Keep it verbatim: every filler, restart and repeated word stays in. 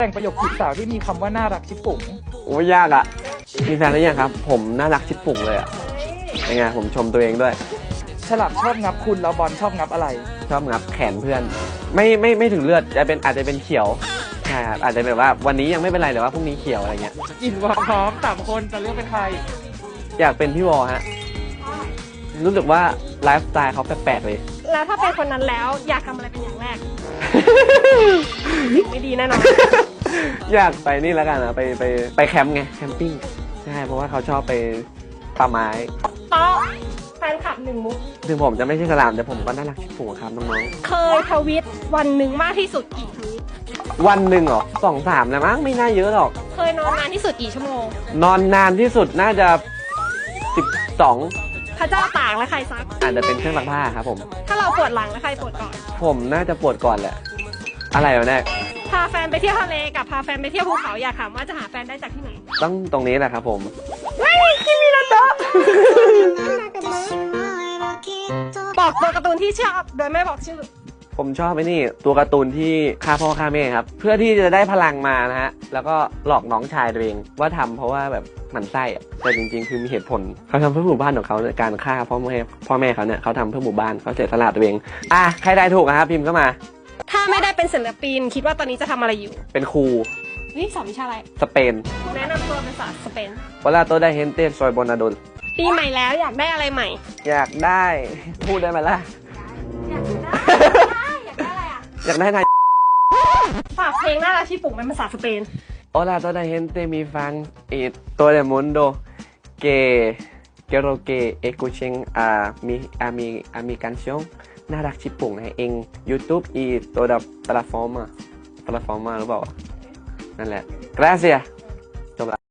แต่งประโยคจีบสาวที่มีคำว่าน่ารักชิบปุ๋งโอ้ยยากอ่ะมีแฟนหรือยังครับผมน่ารักชิบปุ่งเลยอ่ะยังไงผมชมตัวเองด้วยฉลามชอบงับคุณแล้วบอลชอบงับอะไรชอบงับแขนเพื่อนไม่ไม่ไม่ถึงเลือดจะเป็นอาจจะเป็นเขียวใช่ครับอาจจะแบบว่าวันนี้ยังไม่เป็นไรแต่ว่าพรุ่งนี้เขียวอะไรเงี้ยอินว่าพร้อมสามคนจะเลือกเป็นใครอยากเป็นพี่วอฮะรู้สึกว่าไลฟ์สไตล์เขาแปลกๆเลยแล้วถ้าเป็นคนนั้นแล้วอยากทำอะไรเป็นอย่างแรก ไม่ดีแน่นอนอยากไปนี่แล้วกันนะไปไปไปแคมป์ไงแคมปิ้งใช่เพราะว่าเขาชอบไปป่าไม้เพราะแฟนคลับหนึ่งมุกถึงผมจะไม่ใช่ฉลามแต่ผมก็น่ารักชิบปุ๋งครับน้องๆเคยทวิตวันหนึ่งมากที่สุดกี่ทวิตวันหนึ่งเหรอสองสามแล้วมั้งไม่น่าเยอะหรอกเคยนอนนานที่สุดกี่ชั่วโมงนอนนานที่สุดน่าจะสิบสองพระเจ้าตากและใครซักอาจจะเป็นเครื่องซักผ้าครับผมถ้าเราปวดหลังแล้วใครปวดก่อนผมน่าจะปวดก่อนแหละอะไรวะเนี่ยพาแฟนไปเที่ยวทะเลกับพาแฟนไปเที่ยวภูเขาอยากถามว่าจะหาแฟนได้จากที่ไหนต้องตรงนี้แหละครับผมไม่คิมินาโตะบอกตัวการ์ตูนที่ชอบโดยไม่บอกชื่อผมชอบไอ้นี่ตัวการ์ตูนที่ฆ่าพ่อฆ่าแม่ครับเพื่อที่จะได้พลังมานะฮะแล้วก็หลอกน้องชายตัวเองว่าทำเพราะว่าแบบหมั่นไส้อะแต่จริงๆคือมีเหตุผลเขาทำเพื่อหมู่บ้านของเขาในการฆ่าพ่อแม่พ่อแม่เขาเนี่ยเขาทำเพื่อหมู่บ้านเขาเสียสละตัวเองอ่ะใครได้ถูกนะครับพิมพ์เข้ามาถ้าไม่ได้เป็นศิลปินคิดว่าตอนนี้จะทำอะไรอยู่เป็นครูนี่สอนวิชาอะไรสเปนแนะนำตัวเป็นภาษาสเปนวลาโตได้เฮนเต้ซอยโบนาโดลปีใหม่แล้วอยากได้อะไรใหม่อยากได้พูดได้ไหมล่ะอยากได้อยากได้อะไรอ่ะอยากได้นายฝากเพลงน่ารักที่ปลุกเป็นภาษาสเปน Hola toda gente mi fan y todo el mundo que quiero que escuchen a mi a mi a mi canción น่ารักชิปปุ่งในเอง YouTube y toda plataforma plataforma หรือเปล่านั่นแหละ gracias